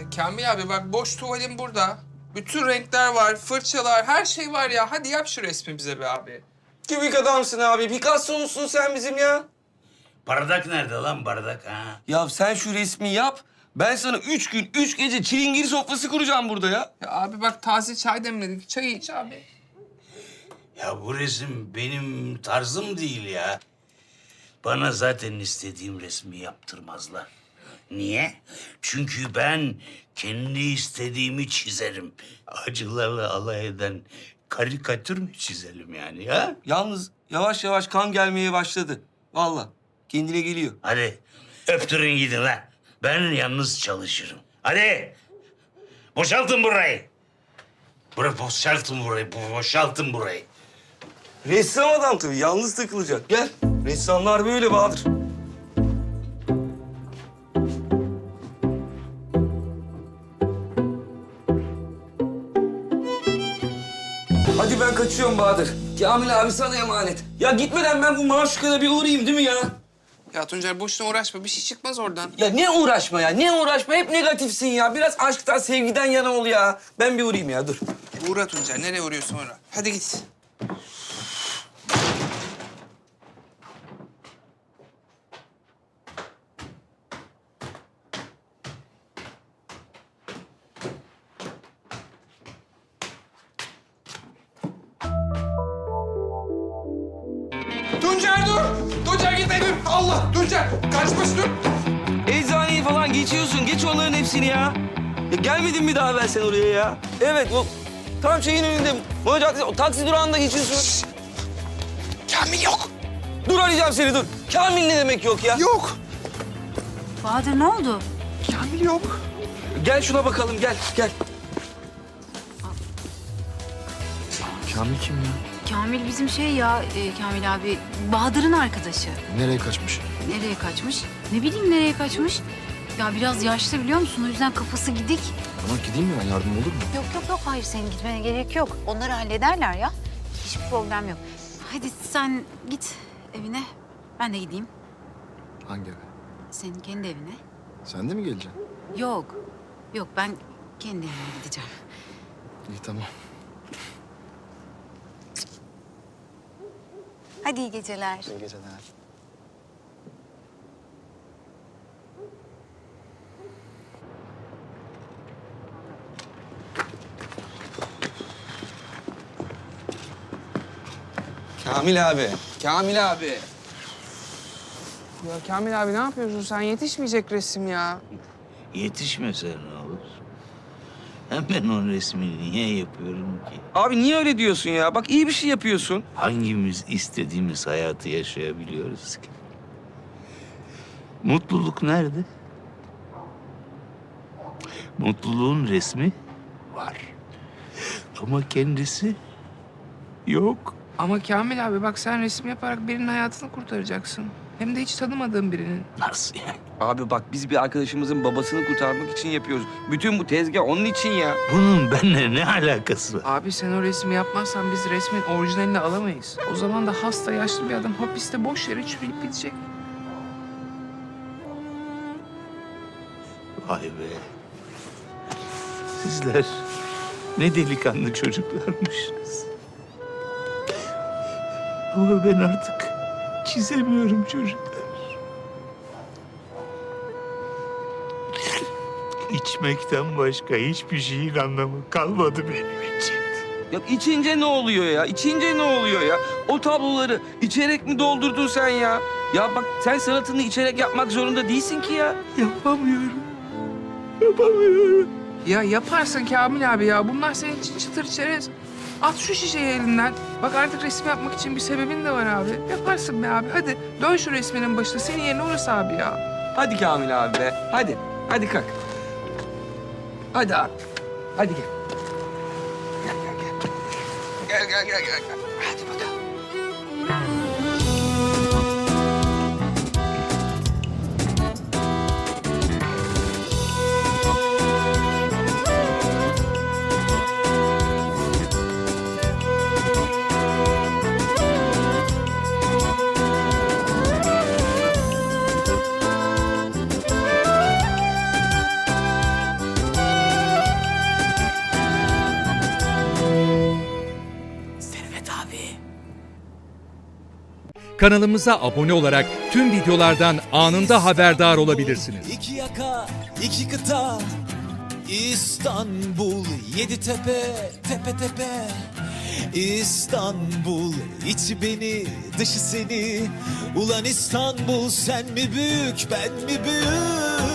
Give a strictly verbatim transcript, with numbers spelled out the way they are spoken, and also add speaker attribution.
Speaker 1: Kamil abi bak boş tuvalim burada. Bütün renkler var, fırçalar, her şey var ya. Hadi yap şu resmi bize be abi.
Speaker 2: Kübik adamsın abi. Picasso musun sen bizim ya?
Speaker 3: Bardak nerede lan bardak ha?
Speaker 2: Ya sen şu resmi yap. Ben sana üç gün, üç gece çilingir sofrası kuracağım burada ya.
Speaker 1: Ya abi bak taze çay demledik. Çay iç abi.
Speaker 3: Ya bu resim benim tarzım değil ya. Bana zaten istediğim resmi yaptırmazlar. Niye? Çünkü ben kendi istediğimi çizerim. Acılarla alay eden karikatür mü çizelim yani ya?
Speaker 2: Yalnız yavaş yavaş kan gelmeye başladı. Vallahi kendine geliyor.
Speaker 3: Hadi öptürün gidin lan. Ben yalnız çalışırım. Hadi boşaltın burayı. Bura boşaltın burayı, boşaltın burayı.
Speaker 2: Ressam adam tabii. Yalnız takılacak. Gel. Ressamlar böyle Bahadır. Hadi ben kaçıyorum Bahadır. Kamil abi sana emanet. Ya gitmeden ben bu Maşuka'da bir uğrayayım değil mi ya?
Speaker 1: Ya Tuncer boşuna uğraşma. Bir şey çıkmaz oradan.
Speaker 2: Ya ne uğraşma ya, ne uğraşma? Hep negatifsin ya. Biraz aşktan, sevgiden yana ol ya. Ben bir uğrayayım ya, dur.
Speaker 1: Uğra Tuncer. Nereye uğruyorsun uğra. Hadi git. Tuncer dur! Tuncer gitme dur! Allah! Tuncer! Kaçmış dur!
Speaker 2: Eczaneyi falan geçiyorsun. Geç onların hepsini ya. Ya gelmedin mi daha ben sen oraya ya? Evet, o tam şeyin önünde. Mola Caddesi, o taksi durağında geçiyorsun.
Speaker 1: Kamil yok!
Speaker 2: Dur arayacağım seni, dur. Kamil ne demek yok ya?
Speaker 1: Yok!
Speaker 4: Bahadır ne oldu?
Speaker 1: Kamil yok.
Speaker 2: Gel şuna bakalım, gel, gel.
Speaker 5: Kamil kim ya?
Speaker 4: Kamil bizim şey ya e, Kamil abi Bahadır'ın arkadaşı.
Speaker 5: Nereye kaçmış?
Speaker 4: Nereye kaçmış? Ne bileyim nereye kaçmış? Ya biraz yaşlı biliyor musun? O yüzden kafası gidik.
Speaker 5: Tamam gideyim mi ben? Yardım olur mu?
Speaker 4: Yok yok yok hayır senin gitmene gerek yok. Onları hallederler ya. Hiçbir problem yok. Hadi sen git evine. Ben de gideyim.
Speaker 5: Hangi eve?
Speaker 4: Senin kendi evine.
Speaker 5: Sen de mi geleceksin?
Speaker 4: Yok. Yok ben kendi evime gideceğim.
Speaker 5: İyi tamam.
Speaker 4: Hadi iyi geceler.
Speaker 5: İyi geceler.
Speaker 2: Kamil abi, Kamil abi.
Speaker 1: Ya Kamil abi ne yapıyorsun sen? Yetişmeyecek resim ya.
Speaker 3: Yetişmese ne olur? Hem ben o resmi niye yapıyorum ki?
Speaker 2: Abi niye öyle diyorsun ya? Bak iyi bir şey yapıyorsun.
Speaker 3: Hangimiz istediğimiz hayatı yaşayabiliyoruz ki? Mutluluk nerede? Mutluluğun resmi var. Ama kendisi yok.
Speaker 1: Ama Kamil abi bak sen resim yaparak birinin hayatını kurtaracaksın. Hem de hiç tanımadığın birinin.
Speaker 3: Nasıl yani?
Speaker 2: Abi bak biz bir arkadaşımızın babasını kurtarmak için yapıyoruz. Bütün bu tezgah onun için ya.
Speaker 3: Bunun benimle ne alakası var?
Speaker 1: Abi sen o resmi yapmazsan biz resmin orijinalini alamayız. O zaman da hasta yaşlı bir adam hapiste boş yere çürüyüp gidecek.
Speaker 3: Vay be. Sizler ne delikanlı çocuklarmışsınız. Ama ben artık çizemiyorum çocuklar. İçmekten başka hiçbir şeyin anlamı kalmadı benim için.
Speaker 2: Ya içince ne oluyor ya? İçince ne oluyor ya? O tabloları içerek mi doldurdun sen ya? Ya bak sen sanatını içerek yapmak zorunda değilsin ki ya.
Speaker 3: Yapamıyorum. Yapamıyorum.
Speaker 1: Ya yaparsın Kamil abi ya. Bunlar senin için çıtır çerez. At şu şişeyi elinden. Bak artık resim yapmak için bir sebebin de var abi. Yaparsın be abi. Hadi dön şu resminin başına. Senin yerine orası abi ya.
Speaker 2: Hadi Kamil abi be. Hadi. Hadi kalk. Hadi abi. Hadi gel. Gel gel gel. Gel gel gel gel. gel. Hadi bakalım.
Speaker 6: kanalımıza abone olarak tüm videolardan anında haberdar olabilirsiniz.
Speaker 7: İki yaka, iki kıta, İstanbul, yedi tepe, tepe tepe. İstanbul, içi beni, dışı seni. Ulan İstanbul, sen mi büyük, ben mi büyük?